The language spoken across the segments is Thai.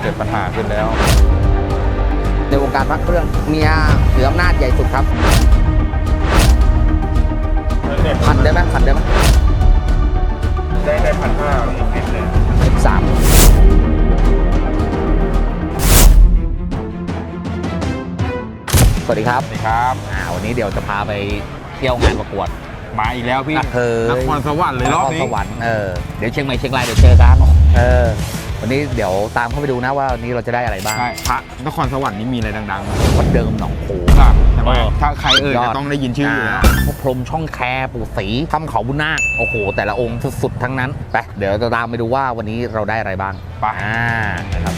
เกิดปัญหาขึ้นแล้วในวงการพระเครื่องเมียเหนืออำนาจใหญ่สุดครับพันได้ไหมพันได้ไหมได้1,500อีกนิดเลย 13สวัสดีครับสวัสดีครับวันนี้เดี๋ยวจะพาไปเที่ยวงานประกวดมาอีกแล้วพี่นครสวรรค์เลยรอบนี้นครสวรรค์เดี๋ยวเชียงใหม่เชียงรายเดี๋ยวเจอกันวันนี้เดี๋ยวตามเข้าไปดูนะว่าวันนี้เราจะได้อะไรบ้างใช่พระนครสวรรค์นี่มีอะไรดังๆวัดเดิมหนองโขงใช่ไหมถ้าใครจะต้องได้ยินชื่ออยู่แล้วพรหมช่องแคปู่ศรีถ้ำเขาบุญนาคโอ้โหแต่ละองค์สุดๆทั้งนั้นไปเดี๋ยวจะตามไปดูว่าวันนี้เราได้อะไรบ้างไปนะครับ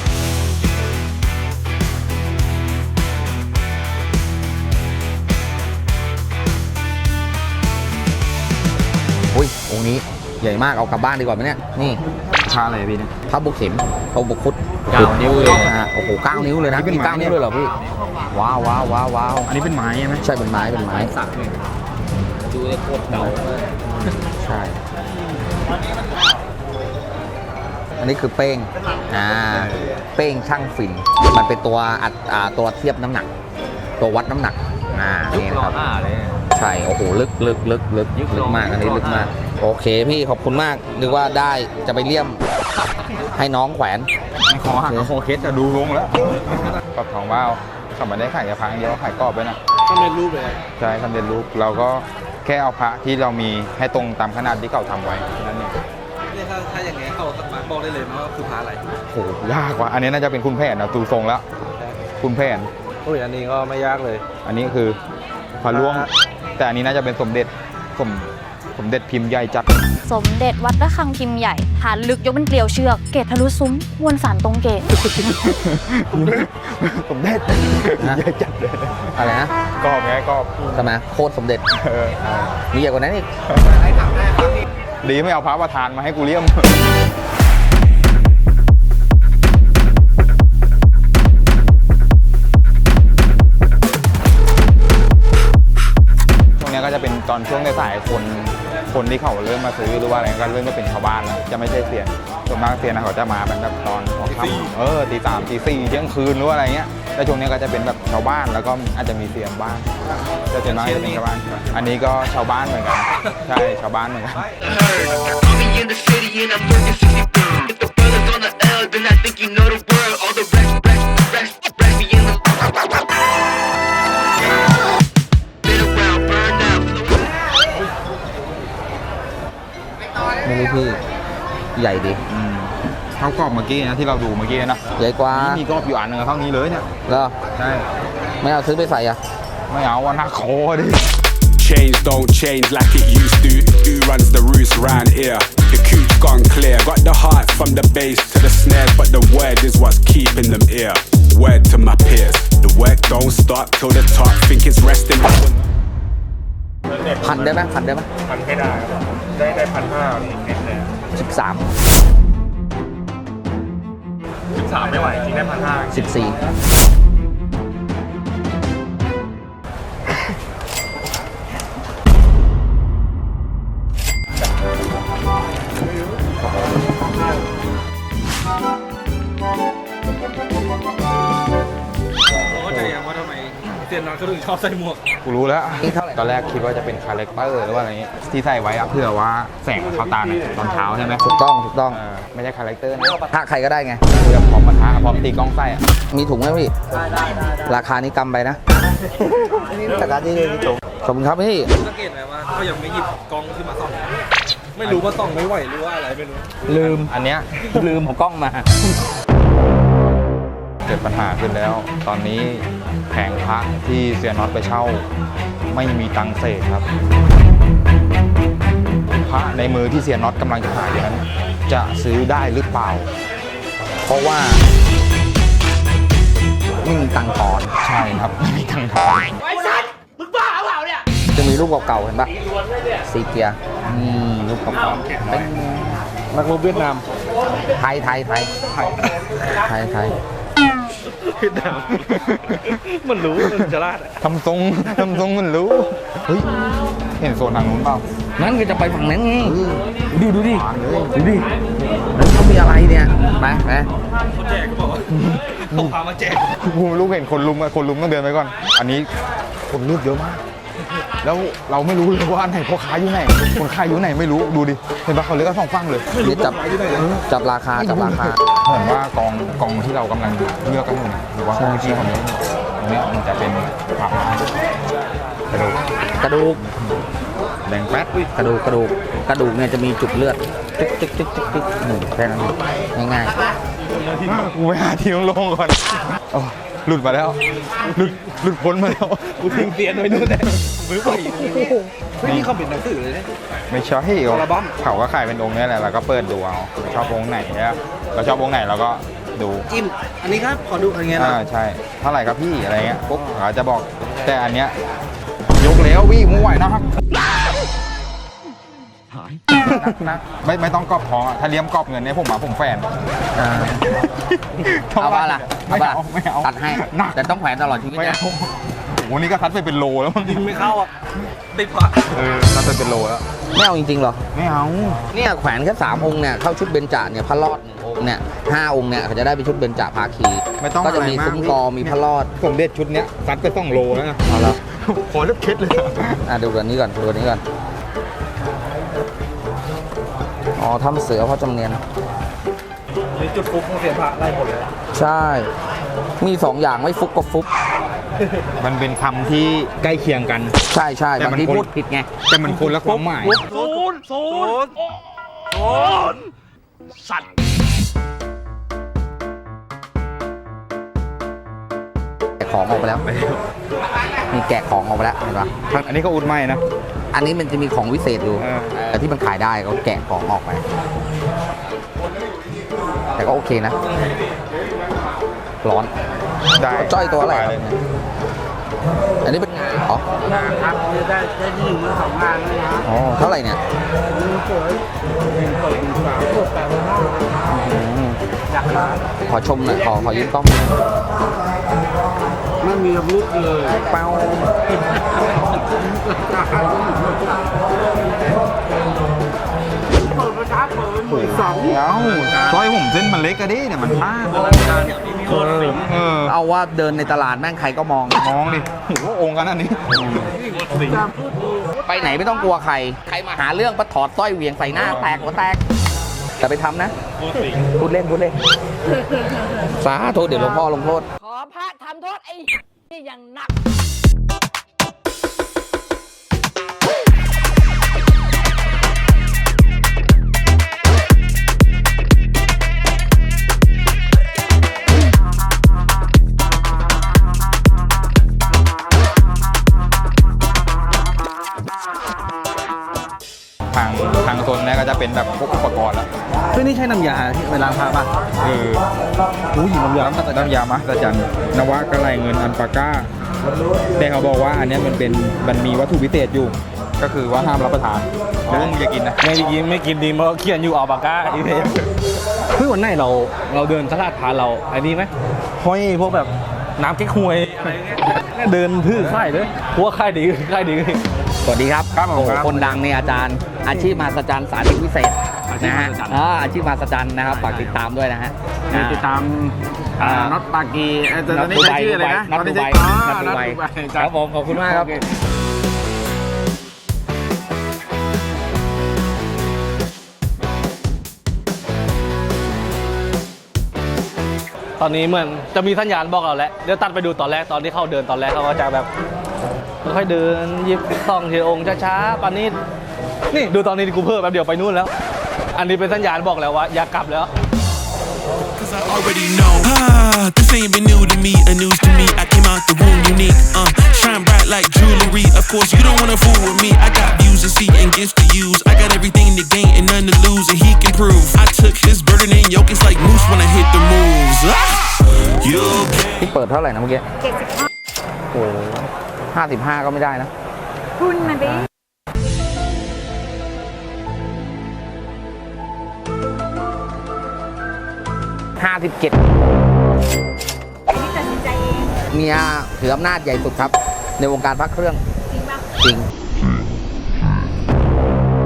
อุ้ยองค์นี้ใหญ่มากเอากลับบ้านดีกว่าไหมเนี่ยนี่พระอะไรพี่เนี่ยพระบุกเข็มพระบุกคุด 9 นิ้วเลยโอ้โห9 นิ้วเลยนะมี9 นิ้วเลยเหรอพี่ว้าวว้าวว้าวว้าวอันนี้เป็นไม้ใช่ไหมใช่เป็นไม้เป็นไม้สักเลยดูได้โคตรเก่าใช่อันนี้คือเป้งเป้งช่างฝิ่นมันเป็นตัวเทียบน้ำหนักตัววัดน้ำหนักนี่นะครับใช่โอ้โหลึกมากอันนี้ลึกมากโอเคพี่ขอบคุณมากนึกว่าได้จะไปเลี่ยมให้น้องแขวนขอหักโคเคสจะดูลงแล้วกรอบทองว้าวเขาไม่ได้ขายแค่พระอย่างเดียวขายกรอบด้วยนะสำเร็จรูปเลยใช่สำเร็จรูปเราก็แค่เอาพระที่เรามีให้ตรงตามขนาดที่เขาทำไว้นั่นเองเนี่ยถ้าอย่างเงี้ยเขาสามารถบอกได้เลยนะว่าคือพระอะไรโอ้ยากว่ะอันนี้น่าจะเป็นคุณแผนนะตูทรงแล้วคุณแผนโอ้ยอันนี้ก็ไม่ยากเลยอันนี้คือพระล่วงแต่อันนี้น่าจะเป็นสมเด็จพิมพ์ใหญ่จัดสมเด็จวัดระฆังพิมพ์ใหญ่ฐานลึกยกเป็นเกลียวเชือกเกตทะลุซุ้มมวลสารตรงเกตสมเด็จใหญ่จัดเลยอะไรนะกรอบไงกรอบใช่ไหมโคตรสมเด็จมีใหญ่กว่านั้นอีกดีไม่เอาพระประธานมาให้กูเลี่ยมก็จะเป็นตอนช่วงในสายคนที่เขาเริ่มมาซื้อหรือว่าอะไรก็เริ่มมาเป็นชาวบ้านแล้วจะไม่ใช่เซียนส่วนมากเซียนนะเขาจะมาเป็นแบบตอนหัวค่ำตี 3 ตี 4เที่ยงคืนหรืออะไรเงี้ยแต่ช่วงนี้ก็จะเป็นแบบชาวบ้านแล้วก็อาจจะมีเซียนบ้างแต่ส่วนมากจะเป็นชาวบ้านอันนี้ก็ชาวบ้านเหมือนกันใช่ชาวบ้านเหมือนกันไม่รู้พี่ใหญ่ดิเท่ากรอบเมื่อกี้นะที่เราดูเมื่อกี้นะใหญ่กว่ามีกรอบอยู่อันหนึ่งเท่านี้เลยเนี่ยแล้วใช่ไม่เอาซื้อไปใส่อะไม่เอาวันนักโคดิ Change don't change like it used to. Who runs the roost round here? The cooch gone clear. Got the heart from the bass to the snares, but the word is what's keeping them here. Word to my peers. The work don't stop till the top. Think it's resting. พันได้ไหมพันได้ไหมพันให้ได้ได้1,500อีกนิดเลย 13 ไม่ไหวจริงได้ 14 เซียนน้อยเขาถึงชอบใส่หมวกกูรู้แล้วตอนแรกคิดว่าจะเป็นคาแรคเตอร์หรือว่าอะไรนี้ที่ใส่ไว้เพื่อว่าแสงเข้าตาตอนเช้าใช่ไหมถูกต้องไม่ใช่คาแรคเตอร์นะถ้าใครก็ได้ไงเพื่อพร้อมมาท้าพร้อมตีกล้องไส้มีถุงไหมพี่ได้ราคานี้กำไปนะราคาที่มีถุงขอบคุณครับพี่สังเกตไหมว่าเขายังไม่หยิบกล้องขึ้นมาส่องไม่รู้ว่าส่องไม่ไหวหรือว่าอะไรไม่รู้ลืมอันเนี้ยลืมเอากล้องมาเกิดปัญหาขึ้นแล้วตอนนี้แผงพระที่เซียนน็อตไปเช่าไม่มีตังค์เศษครับพระในมือที่เซียนน็อตกำลังจะหาอยู่นั้นจะซื้อได้หรือเปล่าเพราะว่าไม่มีตังค์ทอนใช่ครับไม่มีตังค์ทอนไอ้สัตว์มึงบ้าเปล่าเนี่ยจะมีรูปเก่าๆเห็นปะซีเกียรูปเก่าๆเป็นนักรบเวียดนามไทยเวียดนามมันรู้มันจะลาดทำทรงมันรู้เฮ้ยเห็นโซนทางนู้นเปล่างั้นก็จะไปฝั่งนั้นไงดูดินั้นเขามีอะไรเนี่ยไปเขาพามาแจกผมลูกเห็นคนลุมอะคนลุมต้องเดินไปก่อน อันนี้คนเลือกเยอะมาก แล้วเราไม่รู้เลยว่าอันไหนพ่อค้าอยู่ไหน คนขายอยู่ไหนไม่รู้ ดูดิ เห็นปะเขาเลือกกันสองฝั่งเลยนี่จับราคาจับราคาเหมือนว่ากองที่เรากำลังเลือกกันอยู่เนี่ยหรือว่าห้องที่เขาเลือกอยู่ตรงเนี้ยมันจะเป็นผักไม้กระดูกกระดูกแดงแป๊ดกระดูกเนี่ยจะมีจุดเลือดจึ๊กแค่นั้นง่ายกูไปหาที่โล่งๆก่อนอ๋อหลุดมาแล้ว หลุดพ้นมาแล้วกูทิ้งเตียนไว้นู่นเลยมือไปนี่เขาเป็นหนังสือเลยเนี่ยไม่ใช่อัลบั้มเขาก็ขายเป็นองค์เนี้ยแหละเราก็เปิดดูเอาชอบองค์ไหนเนี่ยเราชอบองค์ไหนเราก็ดูจิ้มอันนี้ครับขอดูอะไรเงี้ยนะใช่เท่าไหร่ครับพี่อะไรเงี้ยปุ๊บเขาจะบอกแต่อันเนี้ยยกแล้ววี่มึงไหวนะครับนักไม่ต้องกรอบท้องอะถ้าเลี้ยมกรอบเงินเนี่ยผมแฟนๆเอาว่าล่ะไม่เอาตัดให้หนักแต่ต้องแขวนตลอดชีวิตไม่นะเอาโอ้โหนี่ก็ทัดไปเป็นโลแล้วมั้งยิงไม่เข้าอ่ะติดผักทัดไปเป็นโลแล้วไม่เอาจริงๆหรอไม่เอาเนี่ยแขวนแค่3 องค์เนี่ยเข้าชุดเบญจเนี่ยพระรอด1 องค์เนี่ย5 องค์เนี่ยเขาจะได้เป็นชุดเบญจภาคีไม่ต้องก็จะมีอะไรมากซุ้มกอมีพระรอดผมเด็ดชุดเนี้ยซัดไป2 โลแล้วนะเอาละขอเล็บเคล็ดเลยอะดูตัวนี้ก่อนดูตัวนี้ก่อนอ๋อทำเสือพ่อจำเนียนมีจุดฟุกของเสียผักไล่หมดเลยใช่ มี2 อย่างไม่ฟุกก็ฟุกมันเป็นคำที่ใกล้เคียงกันใช่ใช่แต่บางมันทีคนพูดผิดไงแต่มันคนละความหมายสัตว์แกะของออกไปแล้ว มีแกะของออกไปแล้วเห็นปะอันนี้ก็อุดไม่นะอันนี้มันจะมีของวิเศษอยู่เออแต่ที่มันขายได้ก็แกะของออกไป แต่ก็โอเคนะ ร้อนได้จ้อยตัวอะไรสบายครับเลยอันนี้เป็นงาเหรอครับได้ที่1 มือ 2 งานเลยนะอ๋อ เท่าไหร่เนี่ยสวย1 2 3 4 5 อยากร้านขอชมหน่อย ขอยืมกล้องไม่มีอาวุธเลยเป้าเปิดประทับเปิดมือ2 เดี๋ยวซอยผมเส้นมันเล็กอะดิเนี่ยมันพลาดเอาว่าเดินในตลาดแม่งใครก็มองมองดิโอ้โหองค์กันอันนี้ไปไหนไม่ต้องกลัวใคร ใครมาหาเรื่องปะถอดสร้อยเหวี่ยงใส่หน้าแตกหัวแตก แต่ไปทำนะ พูดเล่น สาธุเดี๋ยวหลวงพ่อลงโทษขอพระทำโทษไอ้นี่อย่างหนักทางโซนเนี้ยก็จะเป็นแบบพวกอุปกรณ์แล้วเฮ้ยนี่ใช่น้ำยาที่เวลาพาป่ะผู้หญิงน้ำยาน้ำยามะตะจันนวะกระไรเงินอันปาก้าแต่เขาบอกว่าอันเนี้ยมันมีวัตถุพิเศษอยู่ ก็คือว่าห้ามรับประทานหรือว่ามึงจะกินนะไม่กินดีเพราะเขียนอยู่อัลปาก้าอีเพมเฮ้ยวันไหนเราเดินตลาดพาเราไอ้นี่ไหมห้อยพวกแบบน้ำเก๊กฮวยอะไรเงี้ยเดินทื่อค่ายเลยพวกค่ายดีสวัสดีครับครับผมโอ้ครับคนดังเนี่ยอาจารย์ อาชีพมหัศจรรย์สาธิตวิเศษอาชีพนะมหัฮะศจรรย์อาชีพมหัศจรรย์นะครับฝากติดตามด้วยนะฮะติดตามน็อตปากีตอนนี้ใช้ชื่ออะไรนะน็อตดูไบน็น็ออตตดูดูไบไบครับผมขอบคุณมากครับตอนนี้เหมือนจะมีสัญญาณบอกเราแล้วเดี๋ยวตัดไปดูตอนแรกตอนที่เขาเดินตอนแรกเขาก็จะแบบค่อยๆเดินหยิบส่องทีละองค์ช้าๆปานนี้นี่ดูตอนนี้กูเพิ่มแป๊บเดียวไปนู่นแล้ว อันนี้เป็นสัญญาณบอกแล้วว่าอย่ากลับแล้ว Cause I already know. This ain't been new to me, a news to me. I came out the womb unique. Shine bright like jewelry. Of course, you don't wanna fool with me. I got views to see and gifts to use. I got everything to gain and none to lose, and he can prove. I took his burden and yoke. It's like moose when I hit the moves. You okay? ที่เปิดเท่าไหร่นะเมื่อกี้โอ้55 ก็ไม่ได้นะคุณมาดิ 57 ตัดสินใจเองเมียถืออำนาจใหญ่สุดครับ ในวงการพระเครื่องจริงปะจริง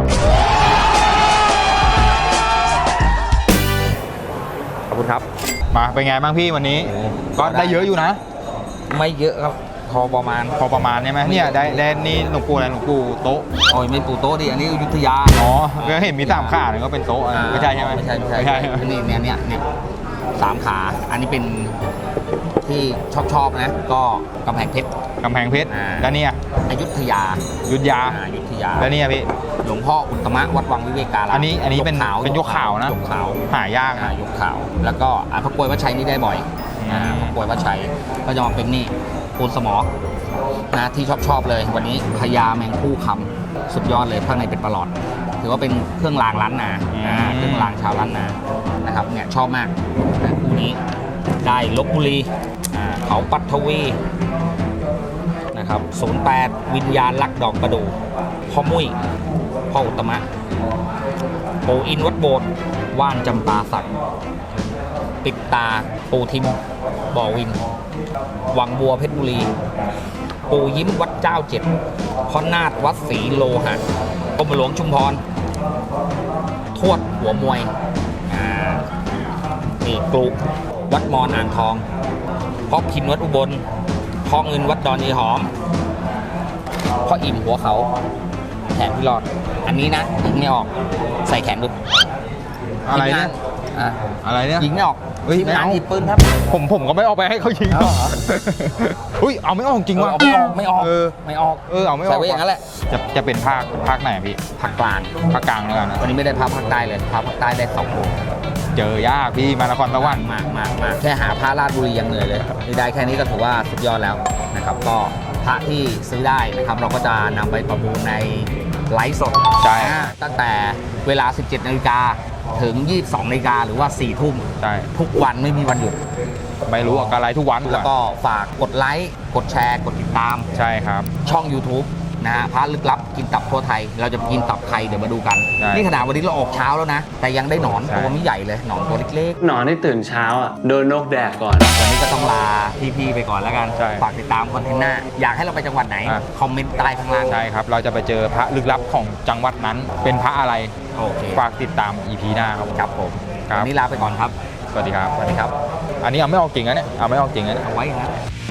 ขอบคุณครับมมาเป็นไงบ้างพี่วันนี้โอ้ก็ได้เยอะอยู่นะไม่เยอะครับพอประมาณพอประมาณใช่ไหมเนี่ยได้นี่หลวงปู่อะไรหลวงปู่โต๊ะโอ้ยไม่ปูโต๊ะดิอันนี้อยุธยาอ๋อก็เห็นมี3ขาเนี่ยก็เป็นโต๊ะไม่ใช่ใช่ไหมไม่ใช่ไม่ใช่อันนี้เนี่ยสามขาอันนี้เป็นที่ชอบนะก็กำแพงเพชรกำแพงเพชรอ่าแล้วเนี่ยอยุธยายุทธยาอยุธยาแล้วเนี่ยพี่หลวงพ่ออุตตมะวัดวังวิเวการามอันนี้เป็นยกขาวเป็นยกขาวนะยกขาวหายากนะยกขาว แล้วก็พระกรวยวัดชัยนี่ได้บ่อยอืมพระกรวยวัดชัยก็จะมาเป็นนี่ปูนสมอนะที่ชอบเลยวันนี้พญาแมงคู่คำสุดยอดเลยข้างในเป็นประหลอด ถือว่าเป็นเครื่องรางล้านนาเครื่องรางชาวล้านนานะครับเนี่ยชอบมากนะคู่นี้ได้ลบบุรีเขาปัทวีนะครับ08วิญญาณรักดอกประดู่พ่อมุ้ยพ่ออุตตมะปูอินวัดโบสถ์ว่านจำปาสักปิดตาปูทิมบ่อวินวังบัวเพชรบุรีปูยิ้มวัดเจ้าเจ็ดพ่อนาฏวัดศรีโลหะกรมหลวงชุมพรทวดหัวมวยนี่กลุวัดมอนอ่างทองพ่อพินวัดอุบลพ่อเงินวัดดอนยายหอมพ่ออิ่มหัวเขาแขนพี่รอด อันนี้นะยิงไม่ออกใส่แขนดูอะไรเนี่ยอ่ะอะไรเนี่ยยิงไม่ออกเฮ้ยทีมงานไม่เอาหยิบปืนครับผมก็ไม่ออกไปให้เขายิงเอาเหรออุ้ยเอาไม่ออกจริงว่ะเอาไม่ออกไม่ออกเออไม่ออกเอาไม่ออกใส่ไว้อย่างนั้นแหละจะเป็นภาคไหนพี่ภาคกลางภาคกลางแล้วกันนะวันนี้ไม่ได้พาภาคใต้เลยพาภาคใต้ได้2วงเจอยากพี่มานครสวรรค์มากแค่หาพระราชบุรียังเหนื่อยเลยนี่ได้แค่นี้ก็ถือว่าสุดยอดแล้วนะครับก็พระที่ซื้อได้นะครับเราก็จะนำไปประมูลในไลฟ์สดใช่ตั้งแต่เวลา 17 นาฬิกาถึง 22 นาฬิกาหรือว่า 4 ทุ่มใช่ทุกวันไม่มีวันหยุดไม่รู้อะไรทุกวันแล้วก็ฝากกดไลค์กดแชร์กดติดตามใช่ครับช่อง YouTube นะฮะพระลึกลับกินตับทั่วไทย เราจะกินตับใครเดี๋ยวมาดูกันใช่นี่ขนาดวันนี้เราออกเช้าแล้วนะ แต่ยังได้หนอนใช่ตัวไม่ใหญ่เลยหนอนตัวเล็กหนอนที่ตื่นเช้าอ่ะ โดนนกแดกก่อนๆวันนี้ก็ต้องลาพี่ๆไปก่อนแล้วกันใช่ฝากติดตามคอนเทนต์หน้า อยากให้เราไปจังหวัดไหนอ่ะคอมเมนต์ใต้ข้างล่างใช่ครับ เราจะไปเจอพระลึกลับของจังหวัดนั้น เป็นพระอะไรโอเคฝากติดตาม EP หน้าครับผมครับผมครับวันนี้ลาไปก่อนครับสวัสดีครับสวัสดีครับอันนี้เอาไม่ออกจริงนะเนี่ยเอาไม่ออกจริงนะเนี่ยเอาไว้อย่างนั้น